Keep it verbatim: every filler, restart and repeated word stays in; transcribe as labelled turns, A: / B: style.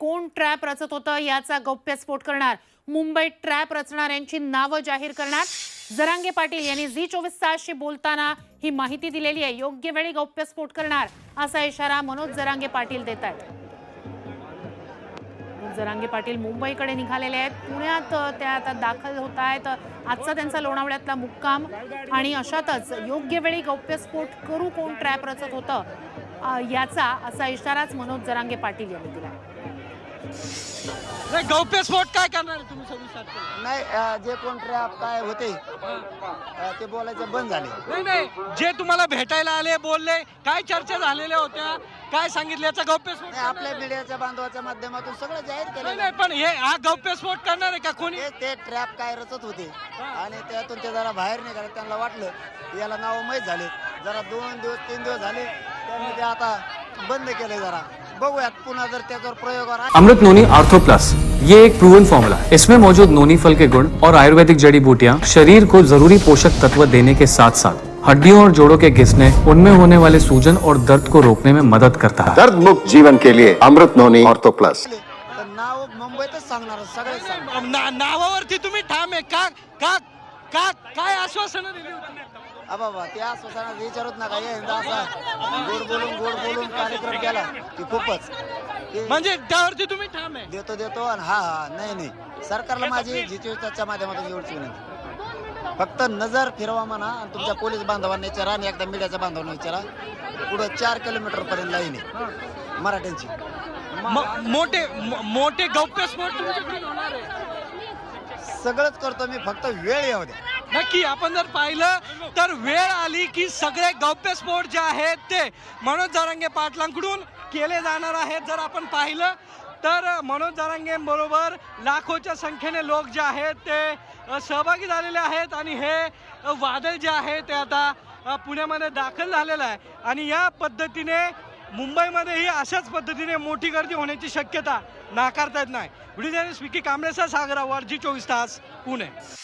A: कोण ट्रॅप रचत होतं याचा गौप्यस्फोट करणार, मुंबईत ट्रॅप रचणाऱ्यांची नावं जाहीर करणार। जरांगे पाटील यांनी झी चोवीस तासशी बोलताना ही माहिती दिलेली आहे। योग्य वेळी गौप्यस्फोट करणार असा इशारा मनोज जरांगे पाटील देत आहेत। जरांगे पाटील मुंबईकडे निघालेले आहेत, पुण्यात त्या आता दाखल होत आहेत। आजचा त्यांचा लोणावळ्यातला मुक्काम आणि अशातच योग्य वेळी गौप्यस्फोट करू कोण ट्रॅप रचत होतं याचा असा इशाराच मनोज जरांगे पाटील यांनी दिला।
B: गौप्यस्फोट काय करणार तुम्ही सविस्तर?
C: नाही, जे कोण ट्रॅप काय होते ते बोलायचं बंद झाले।
B: नाही नाही, जे तुम्हाला भेटायला आले, बोलले, काय चर्चा झालेल्या होत्या, काय सांगितलं याचा गौप्यस्फोट?
C: आपल्या मीडियाच्या बांधवाच्या माध्यमातून सगळं जाहीर केलं।
B: नाही पण हे हा गौप्यस्फोट करणार आहे का कोणी?
C: ते ट्रॅप काय रचत होते आणि त्यातून ते जरा बाहेर निघाले, त्यांना वाटलं याला नाव माहीत झाले, जरा दोन दिवस तीन दिवस झाले त्यांनी ते आता बंद केले। जरा बघूयात पुन्हा जर त्याच्यावर प्रयोग।
D: अमृत नोनी आर्थो प्लस, ये एक प्रूवन फॉर्मूला है। इसमें मौजूद नोनी फल के गुण और आयुर्वेदिक जड़ी बूटियां शरीर को जरूरी पोषक तत्व देने के साथ साथ हड्डियों और जोड़ों के घिसने, उनमें होने वाले सूजन और दर्द को रोकने में मदद करता है।
E: दर्द मुक्त जीवन के लिए अमृत नोनी आर्थो प्लस।
C: नाव मुंबईतच सांगणार सगळे सांगणार।
B: ना, नावावरती तुम्ही ठाम आहे का? का का काय आश्वासनं दिली होती?
C: बाबा ते आश्वासनात विचारत नका, यंदा असा गोड बोलून गोड बोलून कार्यक्रम केला की खूपच
B: म्हणजे त्यावरती तुम्ही ठाम आहे?
C: देतो देतो आणि हा हा नाही नाही, सरकारला माझी झी चोवीस तासच्या माध्यमातून एवढीच विनंती, फक्त नजर फिरवा म्हणा आणि तुमच्या पोलीस बांधवांना विचारा आणि एकदा मीडियाच्या बांधवांना विचारा। पुढे चार किलोमीटर पर्यंत लाईन आहे मराठ्यांची।
B: मोठे मोठे गौप्यस्फोट तुमच्याकडे होणार आहे?
C: सगळंच करतो मी, फक्त वेळ येऊ द्या।
B: नक्की आपण जर पाहिलं तर वेळ आली की सगळे गौप्यस्फोट जे आहेत ते मनोज जरांगे पाटलांकडून केले जाणार आहेत। जर आपण पाहिलं तर मनोज जरांगेंबरोबर लाखोच्या संख्येने लोक जे आहेत ते सहभागी झालेले आहेत आणि हे वादळ जे आहे ते आता पुण्यामध्ये दाखल झालेलं आहे आणि या पद्धतीने मुंबईमध्येही अशाच पद्धतीने मोठी गर्दी होण्याची शक्यता नाकारता येत नाही। व्हिडिओ जर्नलिस्ट विकी कांबळेसह सागर आव्हाड, झी चोवीस तास, पुणे।